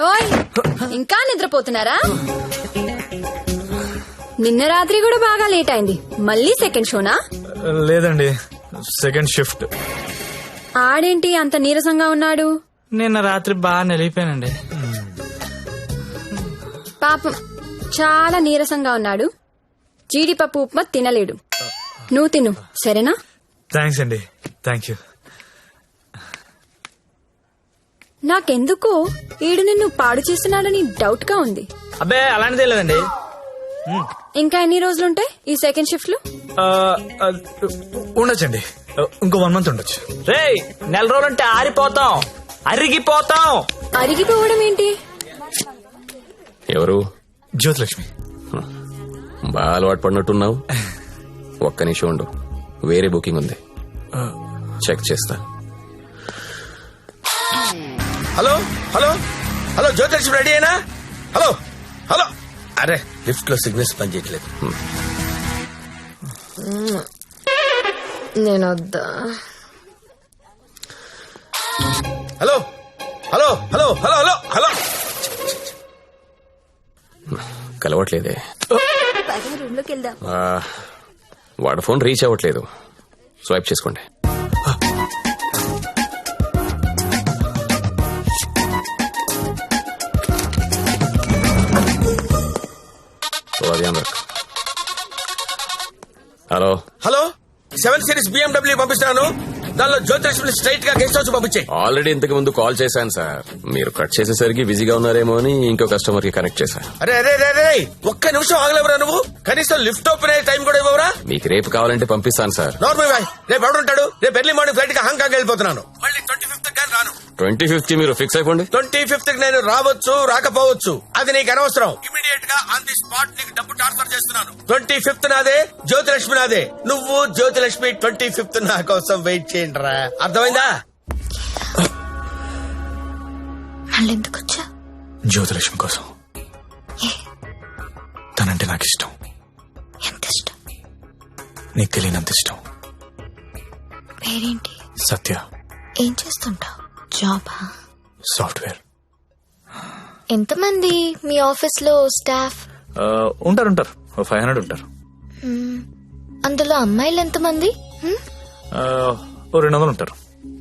ఓయ్ ఇంకా నిద్రపోతున్నారా? నిన్న రాత్రి కూడా బాగా లేట్ అయింది. మళ్ళీ సెకండ్ షోనా? లేదండి, సెకండ్ షిఫ్ట్. ఆడేంటి అంత నీరసంగా ఉన్నాడు? నిన్న రాత్రి బాగా నిలిపోయానండి. పాపం చాలా నీరసంగా ఉన్నాడు. జీడిపప్పు ఉప్మా తినలేడు. నువ్వు తిను సరేనా? థ్యాంక్స్ అండి. Thank you. నాకెందుకో ఈడు నిన్ను పాడు చేస్తున్నాడని డౌట్ గా ఉంది. అబ్బే అలాంటిదే లేదండి. ఇంకా ఎన్ని రోజులుంటాయి ఈ సెకండ్ షిఫ్ట్ లో? ఉండొచ్చండి, ఇంకో 1 month ఉండొచ్చు. రే, నెల రోజులంటే ఆరిపోతాం, అరిగిపోతాం. అరిగిపోవడం ఏంటి? ఎవరు? జ్యోతిలక్ష్మి. బాగా అలవాటు పడినట్టున్నావు. ఒక్క నిమిషం ఉండు, వేరే బుకింగ్ ఉంది, చెక్ చేస్తా. Hello hello hello, Jyothilakshmi ready అయినా? Hello hello. అరే, లిఫ్ట్ లో సిగ్నల్స్ పనిచేయట్లేదు. నేను వద్దా? Hello hello hello hello hello hello. కలవట్లేదే. రూమ్ లోకి వెళ్దాం. వాడు ఫోన్ రీచ్ అవ్వట్లేదు. స్వైప్ చేసుకోండి. హలో హలో, 7 Series BMW పంపిస్తున్నాను. దానిలో జ్యోతిలక్ష్మి స్ట్రైట్ గా గెస్ట్ హౌస్ పంపించాయి. ఆల్రెడీ ఇంతకు ముందు కాల్ చేశాను సార్. మీరు కట్ చేసేసరికి బిజీగా ఉన్నారేమో అని ఇంకో కస్టమర్ కి కనెక్ట్ చేశా. అరే అరే అరే అరే, ఒక్క నిమిషం ఆగలేవురా నువ్వు? కనీసం లిఫ్ట్ ఓపెన్ అయ్యే టైం కూడా ఇవ్వరా? మీకు రేపు కావాలంటే పంపిస్తాను సార్. నార్మల్ బాయ్, రేపు ఎవడుంటాడు? రేపు ఎర్లీ మార్నింగ్ ఫ్లైట్ గా హాంకాంగ్ వెళ్ళిపోతున్నాను. మళ్ళీ 25th కానీ రాను. 25th మీరు ఫిక్స్ అయిపోండి. 25th నేను రావచ్చు రాకపోవచ్చు, అది నీకు అనవసరం. ఇమీడియట్ గా ఆన్ ది స్పాట్ నీకు డబ్బు ట్రాన్స్ఫర్ చేస్తున్నాను. 25th నాదే, జ్యోతిలక్ష్మి నాదే. నువ్వు జ్యోతిలక్ష్మి 25th నా కోసం వెయిట్ చేయండి రా. అర్థమైందా? మళ్ళెందుకు వచ్చా? జ్యోతిలక్ష్మి కోసం. తనంటే నాకు ఇష్టం. ఎంత ఇష్టం? నీకు తెలియనంత ఇష్టం. పేరేంటి? సత్య. ఏం చేస్తుంటావు? జాబా? సాఫ్ట్వేర్. ఎంతమంది మీ ఆఫీస్ లో స్టాఫ్? ఉంటారు 500 ఉంటారు. అందులో అమ్మాయిలు ఎంతమంది? 200 ఉంటారు.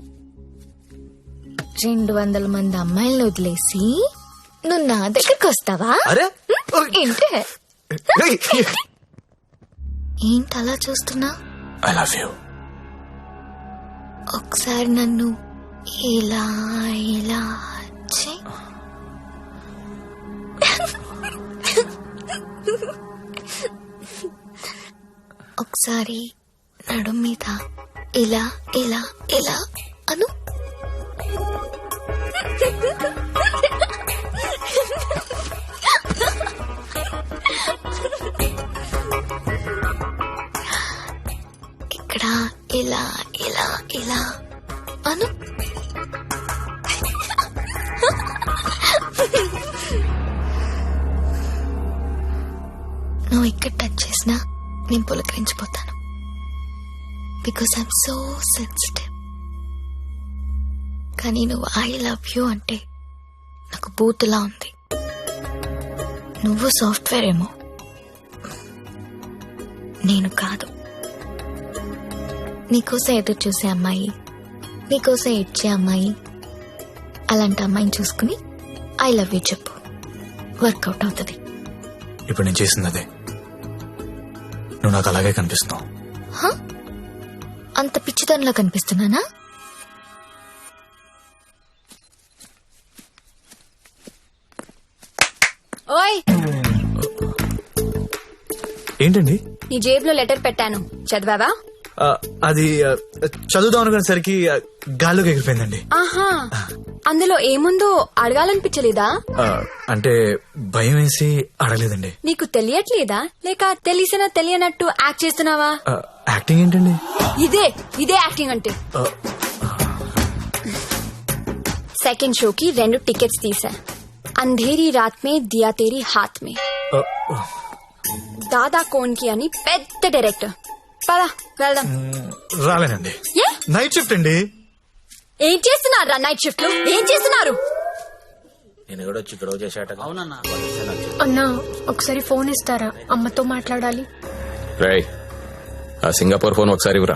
200 మంది అమ్మాయిలను వదిలేసి నువ్వు నా దగ్గరకు వస్తావా? అరే ఏంటి ఏంటి అలా చూస్తున్నా? I love you. ఒకసారి నన్ను ఇలా ఇలా చెయ్. ఒకసారి నడుం మీద ఇలా ఇలా ఇలా అను. ఇక్కడ ఇలా ఇలా ఇలా అను. నువ్వు ఇక్కడ టచ్ చేసినా నేను పులకరించిపోతాను. Because I'm so sensitive. కానీ నువ్వు ఐ లవ్ యూ అంటే నాకు బూతులా ఉంది. నువ్వు సాఫ్ట్వేర్ ఏమో, నేను కాదు. నీకోసం ఎదురు చూసే అమ్మాయి, నీకోసం ఇచ్చే అమ్మాయి, అలాంటి అమ్మాయిని చూసుకుని ఐ లవ్ యూ చెప్పు, వర్కౌట్ అవుతుంది. ఇప్పుడు నేను చేసింది అదే. నువ్వు నాకు అలాగే కనిపిస్తున్నావు. అంత పిచ్చితనంలో కనిపిస్తున్నానా? ఓయ్, ఏంటండి? నీ జేబులో లెటర్ పెట్టాను, చదివావా? అది చదువుదాం అనుకునేసరికి గాల్లోకి ఎగిరిపోయిందండి. ఆహా, అందులో ఏముందో అడగాలనిపించలేదా? అంటే భయం వేసి అడగలేదండి. నీకు తెలియట్లేదా, లేక తెలిసినా తెలియనట్టు యాక్ట్ చేస్తున్నావా? యాక్టింగ్ ఏంటండి? ఇదే యాక్టింగ్ అంటే. సెకండ్ షోకి 2 టికెట్స్ తీసా. అంధేరీ రాత్ మే దియా తేరీ హాత్ మే. దాదా కోన్ కి అని పెద్ద డైరెక్టర్. పదా వెళ్దాం. రాలేనండి, నైట్ షిఫ్ట్ అండి. ఏం చేస్తున్నారు నైట్ షిఫ్ట్ లో? ఏం చేస్తున్నారు? నేను కూడా వచ్చి గొడవ చేశాట. అవునన్నా. అన్నా ఒకసారి ఫోన్ ఇస్తారా, అమ్మతో మాట్లాడాలి. రేయ్, ఆ సింగపూర్ ఫోన్ ఒకసారి ఇవ్వరా.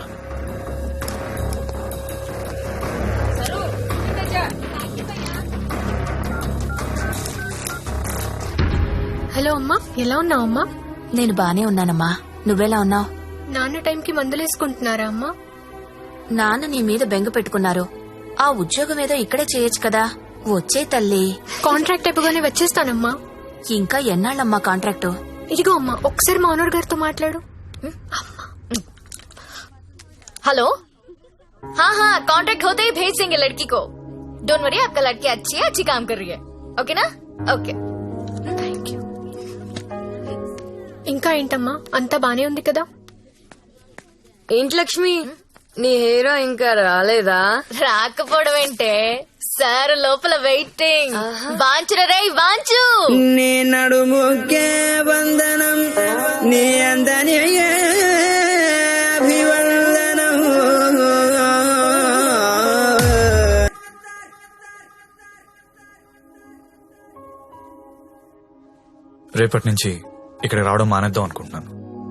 హలో అమ్మా, ఎలా ఉన్నావు అమ్మా? నేను బానే ఉన్నానమ్మా, నువ్వెలా ఉన్నావు? నాన్న టైంకి మందులేసుకుంటున్నారా అమ్మా? నాన్న నీ మీద బెంగ పెట్టుకున్నారు. ఆ ఉద్యోగం ఏదో ఇక్కడే చేయొచ్చు కదా. వచ్చే తల్లి. కాంట్రాక్ట్ అయిపోగానే వచ్చేస్తానమ్మా. ఇంకా ఎన్నాళ్ళమ్మా కాంట్రాక్టు? ఇదిగో అమ్మా, ఒకసారి మా ఓనర్ గారితో మాట్లాడు. हेलो, हाँ हाँ कॉन्ट्रैक्ट होते ही भेज देंगे लड़की को. डोंट वरी, आपका लड़की अच्छी है, अच्छी काम कर रही है. ओके ना? ओके. Thank you. ఇంకా ఏంటమ్మా, అంతా బానే ఉంది కదా? ఏంటి లక్ష్మి, నీ హీరో ఇంకా రాలేదా? రాకపోవడం ఏంటే, సార్ లోపల వెయిటింగ్. వాంచురా రే వాంచు. నీ నడుముకే వందనం, నీ అందని అభివందనం. రేపటి నుంచి ఇక్కడ రావడం మానేద్దాం అనుకుంటున్నాను.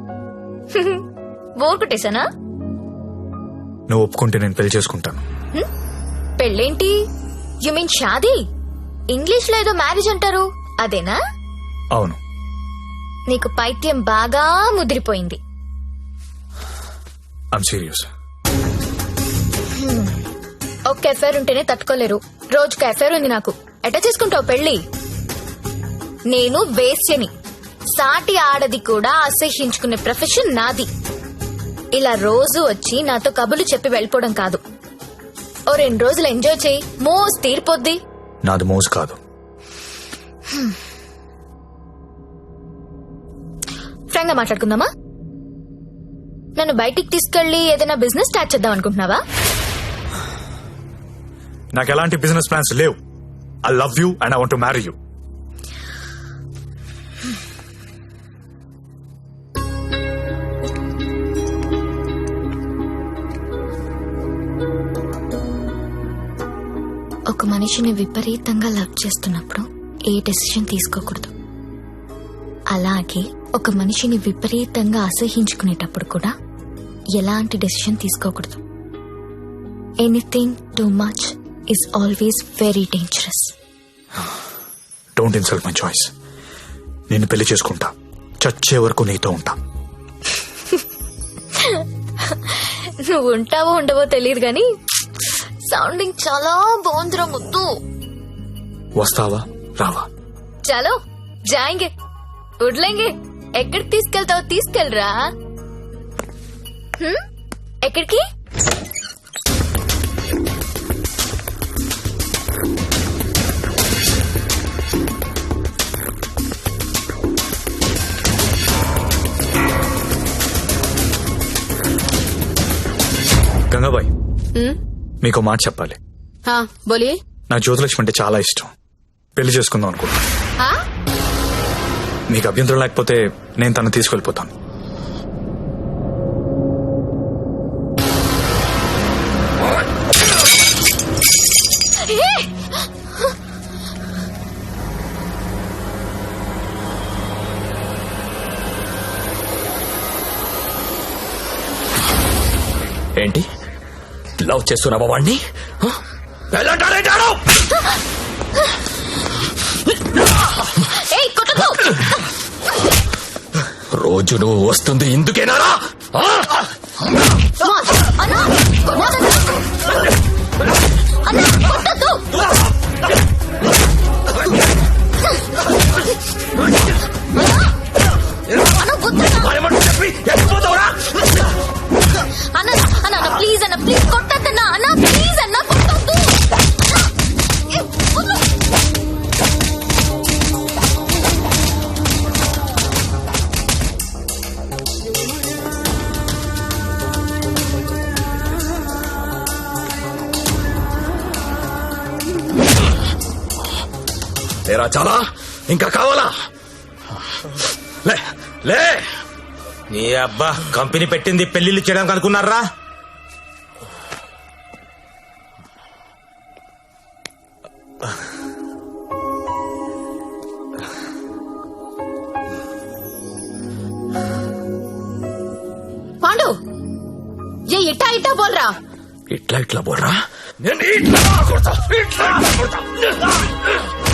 బోర్ కొట్టేశానా? నువ్వు ఒప్పుకుంటే నేను పెళ్లి చేసుకుంటాను. పెళ్ళేంటి? యు మీన్ షాదీ? ఇంగ్లీష్ లో ఏదో మ్యారేజ్ అంటారు, అదేనా? అవును. నీకు పైత్యం బాగా ముదిరిపోయింది. I'm serious. ఒక్క ఎఫైర్ ఉంటేనే తట్టుకోలేరు, రోజుకు ఎఫైర్ ఉంది నాకు. ఎట్లా చేసుకుంటావు పెళ్లి? నేను వేశ్యని, సాటి ఆడది కూడా అసహ్యించుకునే ప్రొఫెషన్ నాది. ఇలా రోజు వచ్చి నాతో కబుర్లు చెప్పి వెళ్ళిపోవడం కాదు. ఓ 2 రోజులు ఎంజాయ్ చేయి, మోస్ తీరిపోద్ది. నాది మోజు కాదు. ఫ్రాంక్ గా మాట్లాడుకుందామా? నన్ను బయటికి తీసుకెళ్లి ఏదైనా బిజినెస్ స్టార్ట్ చేద్దాం అనుకుంటున్నావా? నాకు ఎలాంటి బిజినెస్ ప్లాన్స్ లేవు. I love you and I want to marry you. ఒక మనిషిని విపరీతంగా లవ్ చేస్తున్నప్పుడు ఏ డెసిషన్ తీసుకోకూడదు. అలాగే ఒక మనిషిని విపరీతంగా అసహించుకునేటప్పుడు కూడా ఎలాంటి డెసిషన్ తీసుకోకూడదు. Anything too much is always very dangerous. Don't insult my choice. నేను పెళ్లి చేసుకుంటా, చచ్చే వరకు నీతో ఉంటా. నువ్వు ఉంటావో ఉండవో తెలియదు గాని సౌండింగ్ చాలా బాగుందిరా ముద్దు. వస్తావా రావా? చలో జాయింగే, వడ్లేంగే. ఎక్కడికి తీసుకెళ్తావో తీసుకెళ్ళరా. ఎక్కడికి? గంగాబాయ్, మీకు మాట చెప్పాలి. हाँ बोलिए. నాకు జ్యోతిలక్ష్మి అంటే చాలా ఇష్టం. పెళ్లి చేసుకుందాం అనుకుంటా. हाँ మీకు అభ్యంతరం లేకపోతే నేను తను తీసుకెళ్లిపోతాను. ఏంటి, లవ్ చేస్తున్నావా వాణ్ణి? రోజు నువ్వు వస్తుంది ఇందుకేనారా? అన్న ప్లీజ్ అన్న, ప్లీజ్ కొట్టద్దన్నా అన్న, ప్లీజ్ అన్న కొట్టద్దు. లేరా చాలా? ఇంకా కావాలా? లే లే. నీ అబ్బా కంపెనీ పెట్టింది పెళ్లిళ్ళు చేయడానికి అనుకున్నారా? ఇట్టా ఇట్టా బోల్రా. ఇట్లా ఇట్లా బోర్రా. నేను ఇట్లా కొడతా, ఇట్లా కొడతా.